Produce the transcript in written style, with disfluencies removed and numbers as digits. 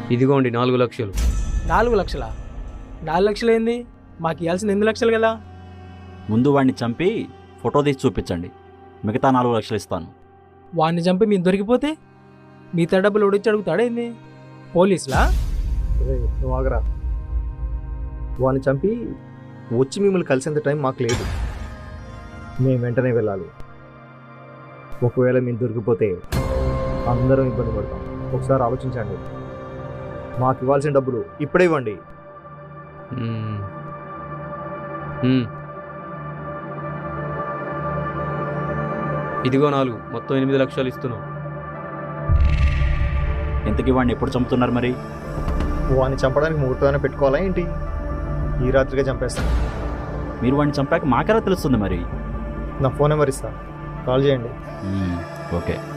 ఇదిగోండి 4 లక్షలు. 4 లక్షలా? 4 లక్షలు ఏంది? మాకు ఇవ్వాల్సిన 8 లక్షలు కదా. ముందు వాడిని చంపి ఫోటో తీసి చూపించండి, మిగతా 4 లక్షలు ఇస్తాను. వాడిని చంపి మీరు దొరికిపోతే మిగతా డబ్బులు ఉడిచి అడుగుతాడేంది? పోలీసులా? నువ్వు ఆగరా. వాడిని చంపి వచ్చి మిమ్మల్ని కలిసేంత టైం మాకు లేదు. మేము వెంటనే వెళ్ళాలి. ఒకవేళ మేము దొరికిపోతే అందరం ఇబ్బంది పడతాం. ఒకసారి ఆలోచించండి. మాకు ఇవ్వాల్సిన డబ్బులు ఇప్పుడే ఇవ్వండి. మ్మ్. మ్మ్. ఇదిగో 4, మొత్తం 8 లక్షలు ఇస్తున్నాం. ఇంతకీ వాడిని ఎప్పుడు చంపుతున్నారు మరి? వాడిని చంపడానికి ముహూర్తమైనా పెట్టుకోవాలా ఏంటి? ఈ రాత్రిగా చంపేస్తాను. మీరు వాడిని చంపాక మాకెలా తెలుస్తుంది మరి? నా ఫోన్ నెంబర్ ఇస్తా, కాల్ చేయండి. ఓకే.